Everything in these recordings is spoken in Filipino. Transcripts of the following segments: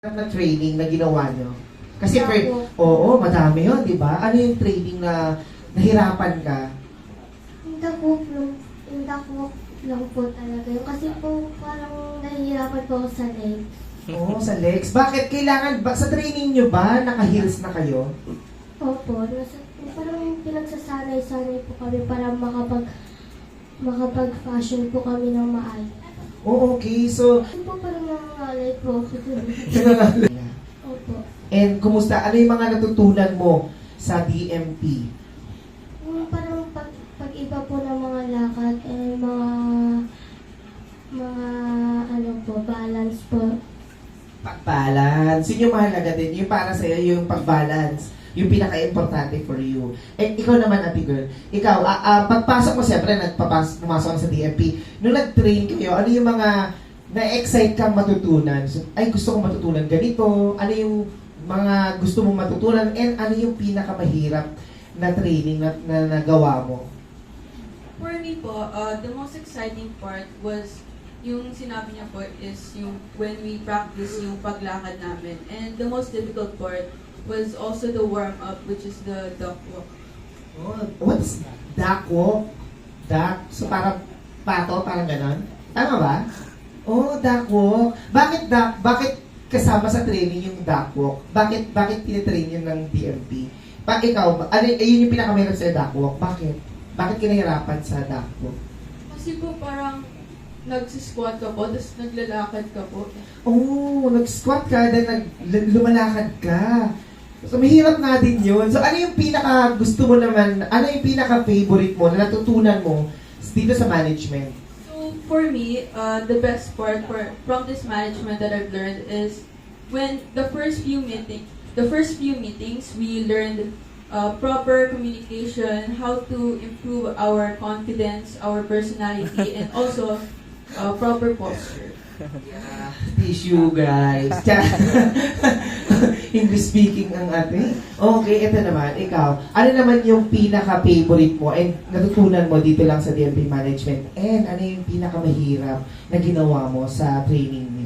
na training na ginawa nyo? Kasi, Duck oo, madami yun, di ba? Ano yung training na nahirapan ka? Yung duck walk lang po talaga yun. Kasi po parang nahihirapan po ako sa legs. Oo, sa legs. Bakit? Kailangan, sa training nyo ba, naka-heels na kayo? Opo, parang pinagsasanay-sanay po kami para makapag-fashion po kami ng maayos. Oo, okay. So, Yun po parang nangangalay po ako. Opo. and kumusta? Ano yung mga natutunan mo sa DMP? Yung parang pag-iba po ng mga lakad, mga ano po, balance po. Pag-balance. Yun yung mahalaga din. Yung para sa'yo, yung pag-balance. Yung pinaka-importante for you. And ikaw naman, ate girl, ikaw, pagpasok mo, siyempre, pumasok ka sa DMP. Nung nag-train kayo, ano yung mga na-excite kang matutunan? So, ay, gusto kong matutunan ganito. Ano yung mga gusto mong matutunan? And ano yung pinakamahirap na training na nagawa mo? For me po, the most exciting part was yung sinabi niya po is yung when we practice yung paglakad namin. And the most difficult part was also the warm-up, which is the duck walk. Oh, what's duck walk? Duck? So parang pato, parang ganon? Tama ba? Oh, duck walk. Bakit duck? Bakit kasama sa training yung duck walk? Bakit tinitrain yun ng DMP? Ikaw, yun yung pinakamahirap sa duck walk. Bakit? Bakit kinahirapan sa duck walk? Kasi po parang nagsisquat ka po, tapos naglalakad ka po. Oh, nag-squat ka, then lumalakad ka. So, mahirap nga din yun. So, ano yung pinaka gusto mo naman, ano yung pinaka favorite mo na natutunan mo dito sa management? So for me, the best part from this management that I've learned is when the first few meetings, we learned proper communication, how to improve our confidence, our personality, and also proper posture. Tissue, guys. English speaking ang ate. Okay, ito naman, ikaw. Ano naman yung pinaka-favorite mo and natutunan mo dito lang sa DMP Management? And ano yung pinaka-mahirap na ginawa mo sa training niyo?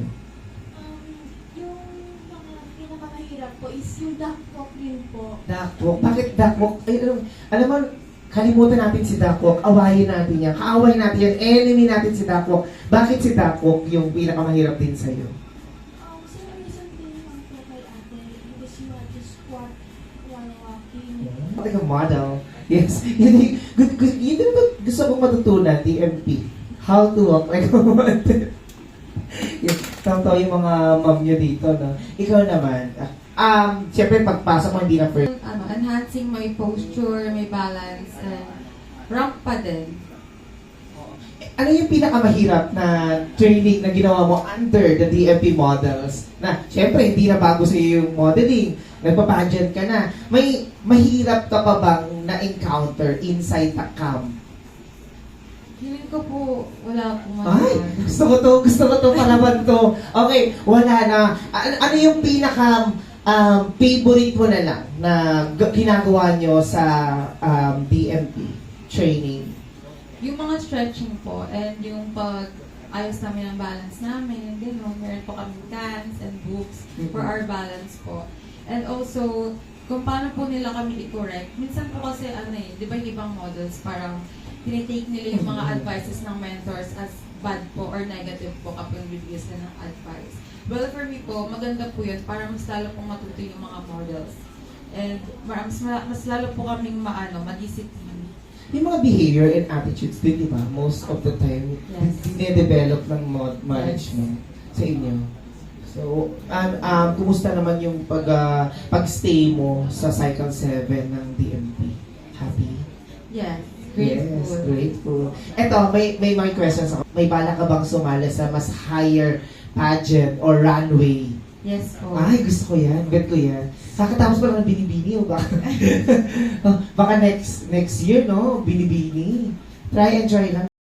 Yung mga pinakamahirap po is yung duck walk din po. Duckwalk? Bakit duckwalk? Ay, alam mo, kalimutan natin si duckwalk. Awayin natin yan. Kaaway natin yan. Enemy natin si duckwalk. Bakit si duckwalk yung pinakamahirap din sa'yo? Same reason din naman po kay ate. Because you want to squat while walking. Like a model. Yes. Yun din ba gusto kong matutunan, DMP? How to walk like a model. Yes. Tama yung mga mom nyo dito, no? Ikaw naman, siyempre pagpasok mo hindi na first. Enhancing my posture, my balance, and ramp pa din. Ano yung pinakamahirap na training na ginawa mo under the DMP models? Na, siyempre, hindi na bago sa iyo yung modeling. Nagpa-pageant ka na. May mahirap ka pa bang na-encounter inside the camp? Feeling ko po, wala akong Ay, gusto ko to, palaban to. Okay, wala na. Ano yung pinaka favorite mo na lang na ginagawa nyo sa DMP training? Yung mga stretching po, and yung pag-ayos namin ng balance namin, gano'n, meron po kami cans and books for our balance po. And also, kung paano po nila kami i-correct. Minsan po kasi, di ba yung ibang models, parang tinitake nila yung mga advices ng mentors as bad po or negative po kapag reviews na ng advice. Well, for me po, maganda po yun para mas lalo pong matuto yung mga models. And mas lalo po kaming madiscipline. Yung mga behavior and attitudes din, di ba? Most of the time, Yes. dine-develop ng management sa inyo. So, kumusta naman yung pag-stay mo sa Cycle 7 ng DMP? Happy? Yes. Grateful. Yes, grateful. Eto, may mga questions ako. May bala ka bang sumali sa mas higher pageant or runway? Yes po. Ay, gusto ko yan. Bet ko yan. Kakatapos pa lang ng binibini o baka? Baka next year, no? Binibini. Try and try lang.